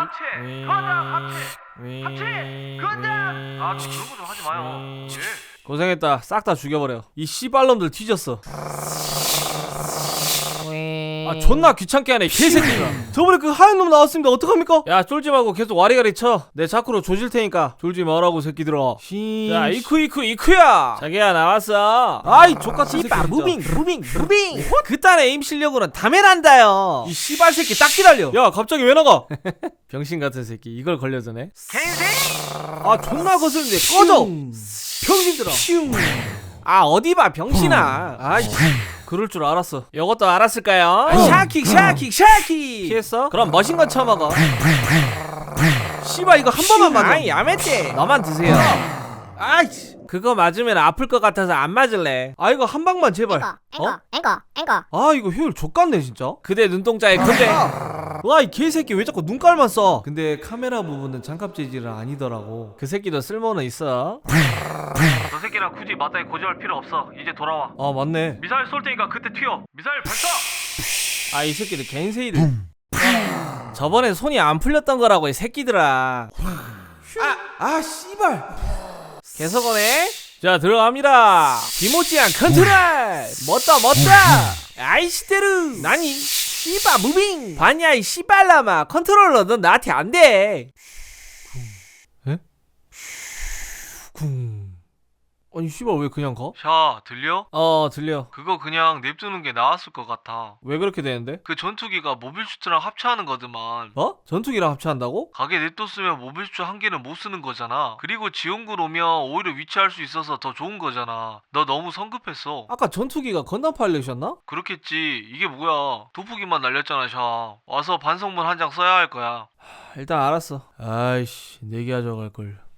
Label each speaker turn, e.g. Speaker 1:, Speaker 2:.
Speaker 1: 합체 건담 합체 건담. 아 저 그런 거 좀 하지 마요. 예.
Speaker 2: 고생했다. 싹 다 죽여버려. 이 씨발놈들 뒤졌어. 아 존나 귀찮게 하네 개새끼가. 저번에 그 하얀 놈 나왔습니다. 어떡합니까? 야 쫄지 말고 계속 와리가리 쳐. 내 자꾸로 조질 테니까 졸지 말라고 새끼들아. 자 이쿠야. 자기야 나왔어. 아이 족같은 새끼 진짜.
Speaker 3: 무빙
Speaker 2: 그딴 에임 실력으로는 다메란다요. 이 씨발 새끼 딱 기다려. 야 갑자기 왜 나가? 병신 같은 새끼 이걸 걸려드네. 아 존나 거슬리는데 꺼져. 병신들아. 아 어디 봐 병신아. 아이 그럴 줄 알았어. 요것도 알았을까요? 샤킥 피했어? 그럼 머신건 쳐먹어. 씨발 이거 한 번만 맞아. 아이 야매떼 너만 드세요. 아이 그거 맞으면 아플 것 같아서 안 맞을래. 아 이거 한 방만 제발.
Speaker 3: 앵거
Speaker 2: 아 이거 효율 족같네 진짜. 그대 눈동자에 근데 와 이 개새끼 왜 자꾸 눈깔만 써. 근데 카메라 부분은 장갑 재질은 아니더라고. 그 새끼도 쓸모는 있어.
Speaker 1: 저 새끼랑 굳이 맞다이 고집할 필요 없어. 이제 돌아와.
Speaker 2: 아 맞네.
Speaker 1: 미사일 쏠 테니까 그때 튀어. 미사일 발사.
Speaker 2: 아 이 새끼들 겐세이를 저번에 손이 안 풀렸던 거라고 이 새끼들아. 아 씨발 계속 오네. 자 들어갑니다. 디모지안 컨트롤 멋다 아이시테르 나니 씨바 무빙 봤냐 이 씨발라마. 컨트롤러 넌 나한테 안돼. 에? 쿵 아니 씨발 왜 그냥 가?
Speaker 1: 샤 들려?
Speaker 2: 들려.
Speaker 1: 그거 그냥 냅두는 게 나았을 것 같아.
Speaker 2: 왜 그렇게 되는데?
Speaker 1: 그 전투기가 모빌 슈트랑 합체하는 거드만.
Speaker 2: 어? 전투기랑 합체한다고?
Speaker 1: 가게 냅뒀으면 모빌 슈트 한 개는 못 쓰는 거잖아. 그리고 지원군 오면 오히려 위치할 수 있어서 더 좋은 거잖아. 너 너무 성급했어.
Speaker 2: 아까 전투기가 건담 파일럿이었나?
Speaker 1: 그렇겠지. 이게 뭐야. 도프기만 날렸잖아 샤. 와서 반성문 한 장 써야 할 거야.
Speaker 2: 일단 알았어. 아이씨 내기 하자고 할걸.